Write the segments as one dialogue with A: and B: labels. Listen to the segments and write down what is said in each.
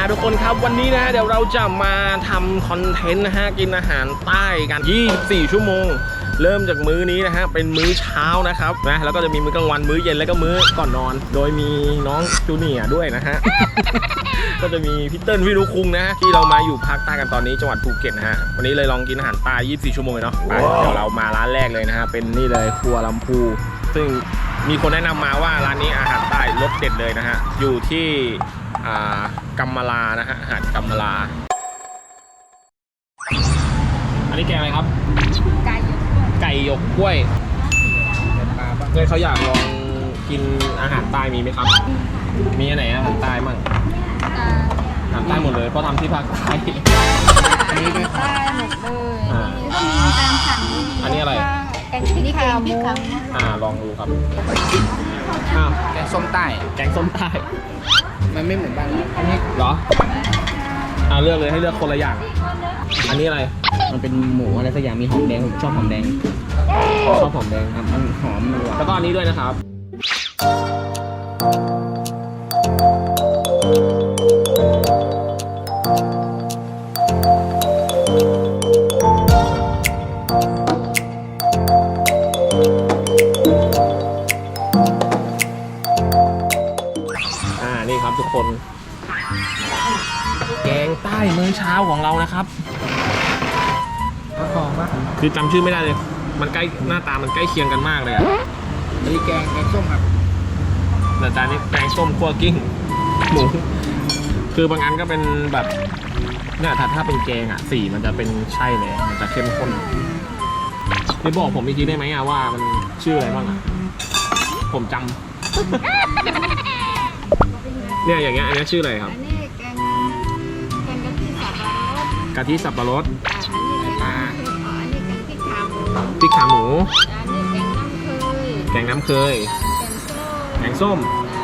A: ทุกคนครับวันนี้นะฮะเดี๋ยวเราจะมาทำคอนเทนต์นะฮะกินอาหารใต้กัน24ชั่วโมงเริ่มจากมื้อนี้นะฮะเป็นมื้อเช้านะครับนะแล้วก็จะมีมื้อกลางวันมื้อเย็นแล้วก็มื้อก่อนนอนโดยมีน้องจูเนียร์ด้วยนะฮะ ก็จะมีพี่เติ้ลพี่ลูกคุงนะฮะที่เรามาอยู่ภาคใต้กันตอนนี้จังหวัดภูเก็ตนะฮะวันนี้เลยลองกินอาหารใต้24ชั่วโมงเลยเนาะไปเดี๋ยวเรามาร้านแรกเลยนะฮะเป็นนี่เลยครัวลำพูซึ่งมีคนแนะนำมาว่าร้านนี้อาหารใต้รสเด็ดเลยนะฮะอยู่ที่กัมมาลานะฮะหาดกัมมาลาอันนี้แกงอะไรครับไก่หยกกล้วยเพื่อนเขาอยากลองกินอาหารใต้มีไหมครับมีอันไหนอาหารใต้มั่งอาหารใต้หมดเลยเพราะทำที่ภาคใต้อันนี้ด้วยครับอันนี้อะไร
B: แกงพริกขาหมู
A: ลองดูครับ
C: แกงส้มใต้
A: แกงส้มใต้
C: มันไม่เหมือนบ้านอันนี้
A: เหรอเลือกเลยให้เลือกคนละอย่างอันนี้อะไร
C: มันเป็นหมูอะไรสักอย่างมีหอมแดงผมชอบหอมแดงครับมันหอมมันหวาน
A: แล้วก็อันนี้ด้วยนะครับนี่ครับทุกคนแกงใต้มื้อเช้าของเรานะครับคือจำชื่อไม่ได้เลยมันใกล้หน้าตามันใกล้เคียงกันมากเลยอ่ะ
C: อันนี้แกงส้มครับ
A: แต่จานนี้แกงส้มคั่วกิ้งหมูคือบางอันก็เป็นแบบเนี่ยถ้าเป็นแกงอ่ะสีมันจะเป็นใช่เลยมันจะเข้มข้นไม่บอกผมอีกทีได้ไหมอ่ะว่ามันชื่ออะไรบ้างอ่ะผมจำเนี่ยอย่างเงี้ยอันนี้ชื่ออะไรครับ
B: แกงกะทิสับปะรด
A: พริกขาหมู
B: แกงน้ำเคย
A: แกงส้ม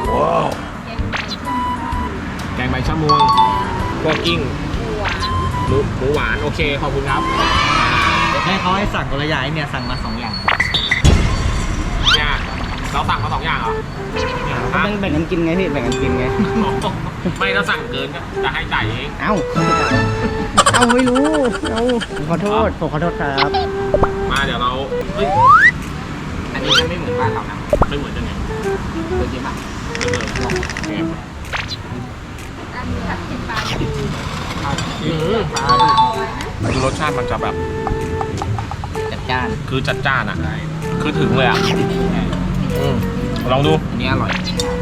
A: แกงใบชะมวงคั่วกิ้งหมูหวานโอเคขอบคุณครับ
C: ให้เขาให้สั่งคนละอย่างเนี่ยสั่งมา2อย่าง
A: เนี่ยเราสั่งมา2อย่างเหรอ
C: แบ่งกันกินไงพี่แบ่งกันกินไง
A: ไม่ถ้าสั่งเกินก็จะให้จ่ายเอง
C: เอ้าไม่รู้ผมขอโทษครับ
A: มาเดี๋ยวเรา
C: อันนี้จะไม่เหมือนบ้านเรานะ
A: ไม่เหมือนยังไง
C: เป็นยังไง
A: ไม่เหมือน
B: ผัดเผ็ดปลา
A: คือรสชาติมันจะแบบ
C: จัดจ้าน
A: คือจัดจ้านอ่ะคือถึงเลยอ่ะลองดู
C: อันนี้อร่อย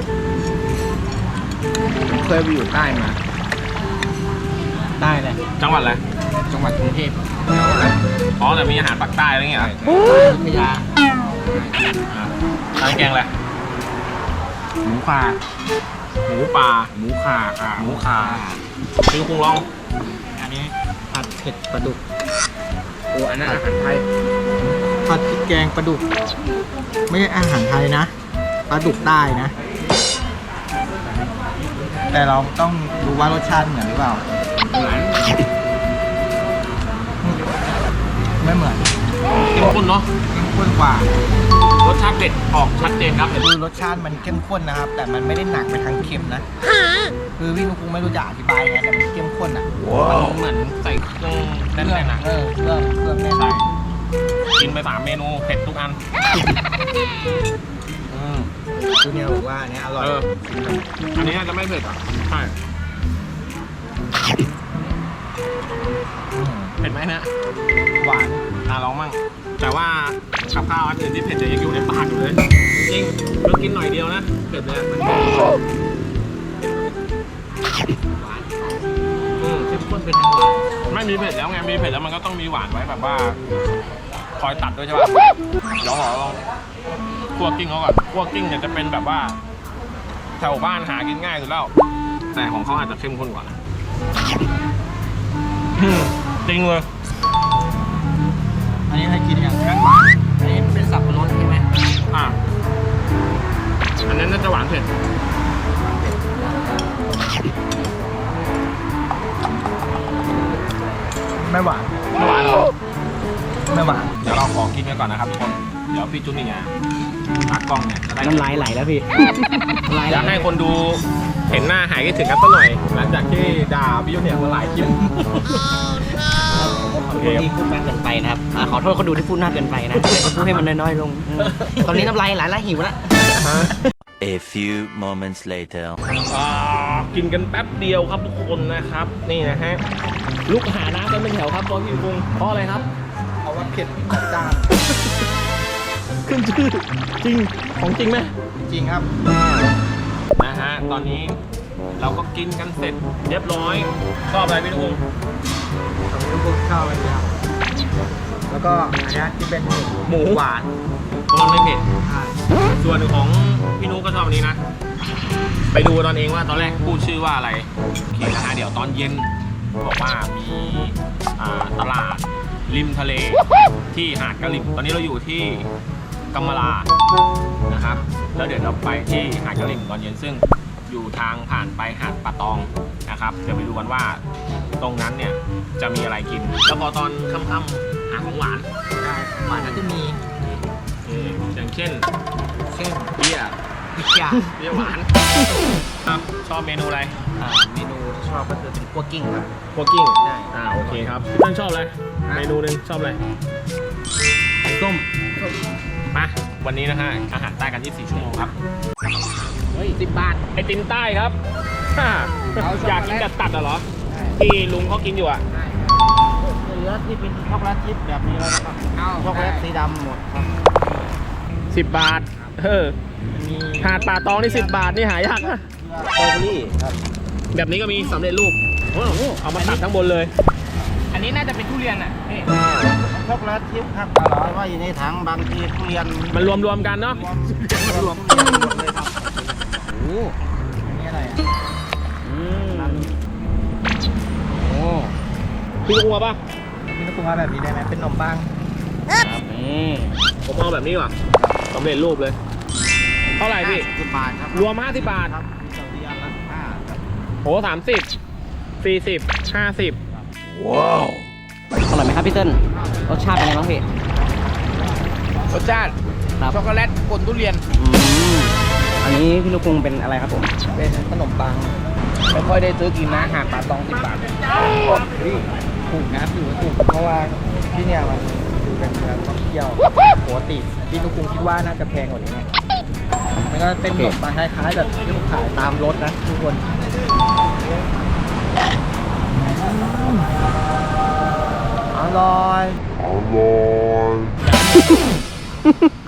C: เคยไปอยู่ใต้มาใต้เลย
A: จังหวัดอะไร
C: จังหวัดกรุงเทพ
A: แต่มีอาหารปากใต้อะไรเงี้ย
C: พัทยา
A: ร้านแกงอะไร
C: หมูป่า
A: หมูป่า
C: หมูข่า
A: พี่คงลอง
C: อันนี้ผัดเผ็ดปลาดุกอันนั้นอาหารไทยผัดพริกแกงปลาดุกไม่ใช่อาหารไทยนะปลาดุกใต้นะแต่เราต้องดูว่ารสชาติเหมือนหรือเปล่าไม่เหมือน
A: เข้มข้นเนาะ
C: เข้มข้นกว่
A: ารสชาติเด็ดออกชัดเจนครับ
C: คือรสชาติมันเข้มข้นนะครับแต่มันไม่ได้หนักไปทางเค็มนะคือพี่นุ๊กไม่รู้จะอธิบายไงแต่มันเข้มข้นอ่ะ
A: มันเหมือนใส่เครื่องแน่นๆนะ
C: เครื่องแน่น
A: ใช่กินไป3เมนูเผ็ดทุกอัน
C: คือเนี่ยบอกว่าอันนี้อร่อย
A: อันนี้จะไม่เผ็ดอ่ะใช่เผ็ดไหมนะ
C: หวาน
A: ลองมั่งแต่ว่ากับข้าวอันอื่นที่เผ็ดยังอยู่ในปากอยู่เลยจริงเพิ่งกินหน่อยเดียวนะเผ็ดเลยมัน
C: หวานเข้มข้นเป็นทางหวาน
A: ไม่มีเผ็ดแล้วไงมีเผ็ดแล้วมันก็ต้องมีหวานไว้แบบว่าคอยตัดด้วยใช่ป่ะลองคั่วกิ้งเขาก่อนคั่วกิ้งเนี่ยจะเป็นแบบว่าแถวบ้านหากินง่ายสุดแล้วแต่ของเขาอาจจะเข้มข้นกว่าจริงเลย
C: อันนี้ให้กินอย่างนั้นหวานอันนี้เป็นสับปะรดใช่ไหม
A: อันนั้นน่าจะหวานเผ็ด
C: ไม่หวาน
A: หรอ
C: ไม่หวาน
A: เดี๋ยวเราขอกินกันก่อนนะครับทุกคนเดี๋ยวพี่จุ๊นี่เนี่ยตากล้องเนี่ย
C: น้ำลายไหลแล้วพี่
A: อยากให้คนดูเห็นหน้าหายคิดถึงกันสักหน่อยหลังจากที่ดพี่ยุ่นเนี่ยมาหลายคลิป
D: ขอโทษที่พูดมากเกินไปนะครับขอโทษคนดูที่พูดมากเกินไปนะพูดให้มันน้อยๆลง ตอนนี้น้ำลายไหลหิวแล้ว
E: A few moments later.
A: กินกันแป๊บเดียวครับทุกคนนะครับ นี่นะฮะลุกหาน้ำกันเป็นแถวครับบอสพี่ปุงเพราะอะไรครับ
C: เอาว่าเผ็ดจัดจ้าน
A: ขึ้นชื่อจริงของจริงไหม
C: จริงครับ
A: นะฮะตอนนี้เราก็กินกันเสร็จเรียบร้อยชอบอะไรพี่ปุง
C: ตอนนี้ลูกๆชอบอะไรครับแล้วก็อันเนี้ยที่เป็นหมูหวาน
A: เพราะมันไม่เผ็ด
C: ใช่
A: ส่วนของพี่นุ๊กก็ชอบอันนี้นะ ไปดูตอนเองว่าตอนแรกพูดชื่อว่าอะไรโอเคนะฮะเดี๋ยวตอนเย็นบอกว่ามีตลาดริมทะเลที่หาดกะหลิ่มตอนนี้เราอยู่ที่กัมมะลานะครับแล้วเดี๋ยวเราไปที่หาดกะหลิ่มตอนเย็นซึ่งอยู่ทางผ่านไปหาดป่าตองนะครับเดี๋ยวไปดูกันว่าตรงนั้นเนี่ยจะมีอะไรกิน แล้วพอตอนค่ำๆหาของหวาน
C: ใช่หวานก็จะมี
A: อย่างเช่น
C: เช่น
A: เบียร์
C: พิกยา
A: เบียร์หวานครับชอบเมนูอะไร
C: เมนูที่ชอบก็คือเป็นคั่วกิ้งครับ
A: คั่วกิ้ง
C: ใช่
A: โอเคครับพี่ต้นชอบอะไรเมนูหนึงชอบอะไรแกงส้มมาวันนี้นะฮะอาหารใต้กัน 24 ชั่วโมงครับ
C: เฮ้ย10 บาท
A: ไอติมใต้ครับ
C: เอาช็อกโกแลต
A: อยากกินแบบตัดเหรอที่ลุงเขากินอยู่อ่ะ
D: เหลือที่เป็นช็อกโกแลตชิพแบบนี้แล้วนะครับ
C: เอา
D: ช็อกโกแลตสีดำหมดครับ
A: 10 บาท
D: มี
A: หาดป่าตองนี่10 บาทนี่หายากนะ
D: สตรอเบอรี่ครับ
A: แบบนี้ก็มีสำเร็จรูปเอามาตัดทั้งบนเลย
D: อันนี้น่าจะเป็นทุเรียนอ่ะช็อกโกแลตชิพครับแต่ว่าอยู่ในถังบางทีทุเรียน
A: มันรวมๆกันเนาะ
D: รวมทุเรียนหมดเลยครับโอ้
C: อันนี้อะไรอ่ะ
D: โอ้
A: พี่ลุงเอาป่ะ
C: พี่นุ๊กว่าแบบนี้ได้ไหมเป็นขนมปัง
D: ครับนี่
A: ผมเอาแบบนี้ว่ะสำเร็จรูปเลย เท่าไหร่พี่
D: 10 บาทครับ
A: รวม50 บาท
D: ครับมีสองที่อันละ5ครับ
A: โห30 40 50
D: อร่อยไหมครับพี่เติ้ลรสชาติเป็นไงบ้างพี่
C: รสชาติ
D: ครับ
C: ช็อกโกแลตปนทุเรียน
D: อันนี้พี่นุกรุงเป็นอะไรครับผม
C: เป็นขนมปังไม่ค่อยได้ซื้อกินนะหาดป่าตอง10 บาทเฮ้ยถูกนะถือว่าถูกเพราะว่าที่เนี่ยมันถือเป็นเมืองท่องเที่ยวปกติพี่นุกคุงคิดว่าน่าจะแพงกว่านี้ไงมันก็เป็นขนมปังคล้ายๆแบบที่ผมขายตามรถนะทุกคนอร่อย